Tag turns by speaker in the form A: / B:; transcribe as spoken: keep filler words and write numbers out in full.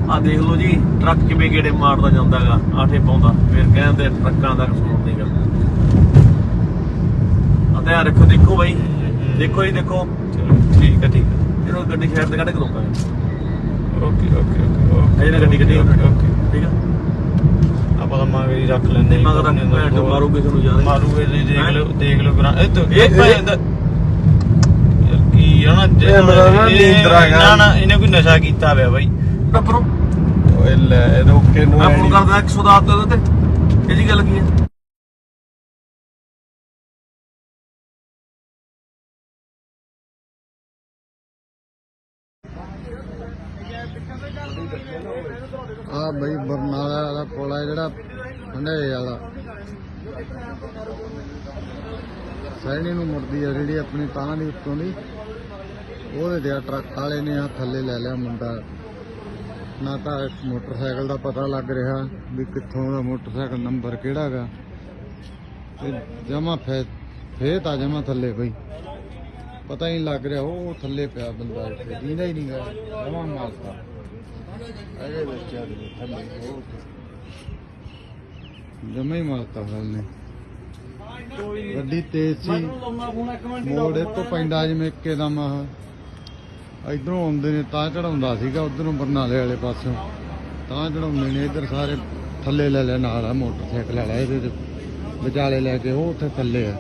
A: ਆ ਦੇਖ ਲਓ ਜੀ ਟਰੱਕ ਕਿਵੇਂ ਗੇੜੇ ਮਾਰਦਾ ਜਾਂਦਾ ਹੈਗਾ ਆਠੇ ਪਾਉਂਦਾ ਫਿਰ ਕਹਿੰਦੇ ਟਰੱਕਾਂ ਦਾ ਕਸੂਰ ਨਹੀਂ ਗਾ। ਆ ਧਿਆਨ ਰੱਖੋ ਦੇਖੋ ਬਾਈ ਦੇਖੋ ਜੀ ਦੇਖੋ
B: ਠੀਕ ਹੈ ਠੀਕ ਹੈ
A: ਇਹਨੂੰ ਗੱਡੀ ਸਾਈਡ ਤੇ ਕੱਢ ਕੇ ਰੋਕਾਂਗੇ।
B: ਓਕੇ ਓਕੇ ਓਕੇ
A: ਅਜੇ ਨਾ ਗੱਡੀ ਗੱਡੀ
B: ਓਕੇ
A: ਠੀਕ ਆ
B: ਆਪਾਂ ਤਾਂ ਮਗਰ ਹੀ ਰੱਖ ਲੈਂਦੇ
A: ਮਗਰ ਰੱਖ ਭੈਣ ਚੋਦ ਮਾਰੂ ਕਿਸੇ ਨੂੰ ਯਾਰ
B: ਮਾਰੂਗੇ ਜੀ ਦੇਖ ਲਓ ਦੇਖ ਲਓ ਕਰਾਂ ਇਹ ਤਾਂ
A: ਇਹ-
B: ਇਹ ਭੈਣ ਦਾ ਯਾਰ ਕੀ ਆ ਨਾ ਜੇ
C: ਇਹ ਮੇਰਾ ਨਾ
B: ਇਹ-
C: ਨੀਂਦਰਾ ਹੈਗਾ।
B: ਨਾ ਨਾ ਇਹਨੇ ਕੋਈ ਨਸ਼ਾ ਕੀਤਾ ਹੋਇਆ ਬਾਈ
A: ਟੱਪਰੋ
C: ਓਏ ਲੈ ਰੋਕੇ ਨੂੰ
A: ਮੈਂ ਫੋਨ ਕਰਦਾ ਇੱਕ ਸੌ ਦਸ ਤੇ ਉਹਦੇ ਤੇ ਇਹ ਜੀ ਗੱਲ ਕੀ ਹੈ।
C: ਆ ਬਈ ਬਰਨਾਲਾ ਵਾਲਾ ਪੁਲ ਆ ਜਿਹੜਾ ਹੰਡਾਏ ਵਾਲਾ ਸੈਣੀ ਨੂੰ ਮੁੜਦੀ ਆ ਜਿਹੜੀ ਆਪਣੀ ਤਾਂ ਦੀ ਉੱਤੋਂ ਦੀ ਉਹਦੇ ਤੇ ਆ ਟਰੱਕ ਵਾਲੇ ਨੇ ਆ ਥੱਲੇ ਲੈ ਲਿਆ ਮੁੰਡਾ। ਨਾ ਤਾਂ ਮੋਟਰਸਾਈਕਲ ਦਾ ਪਤਾ ਲੱਗ ਰਿਹਾ ਵੀ ਕਿੱਥੋਂ ਦਾ ਮੋਟਰਸਾਈਕਲ ਨੰਬਰ ਕਿਹੜਾ ਹੈਗਾ ਤੇ ਜਮਾ ਫੇ ਫੇ ਤਾਂ ਜਮਾ ਥੱਲੇ ਬਈ ਪਤਾ ਹੀ ਲੱਗ ਰਿਹਾ ਉਹ ਥੱਲੇ ਪਿਆ ਬੰਦਾ ਇੱਥੇ ਦੀਦਾ ਹੀ ਨਹੀਂ ਗਾ ਜਮਾ ਮਾਰਤਾ ਅਰੇ ਬੱਚਾ ਦੇ ਥੱਲੇ ਉਹ ਜਮਾ ਹੀ ਮਾਰਤਾ ਹਲ ਨੇ ਗੱਡੀ ਤੇਜ਼ ਸੀ ਮੋੜ ਤੋਂ ਪੈਂਦਾ ਜਿਵੇਂ ਇੱਕਦਮ ਆਹ ਇਧਰੋਂ ਆਉਂਦੇ ਨੇ ਤਾਂ ਚੜਾਉਂਦਾ ਸੀਗਾ ਉਧਰੋਂ ਬਰਨਾਲੇ ਵਾਲੇ ਪਾਸੋਂ ਤਾਂ ਚੜਾਉਂਦੇ ਨੇ ਇੱਧਰ ਸਾਰੇ ਥੱਲੇ ਲੈ ਲਿਆ ਨਾਲ ਆ ਮੋਟਰਸਾਈਕਲ ਵਾਲਾ ਇਹਦੇ ਵਿਚਾਲੇ ਲੈ ਕੇ ਉਹ ਉੱਥੇ ਥੱਲੇ ਆ।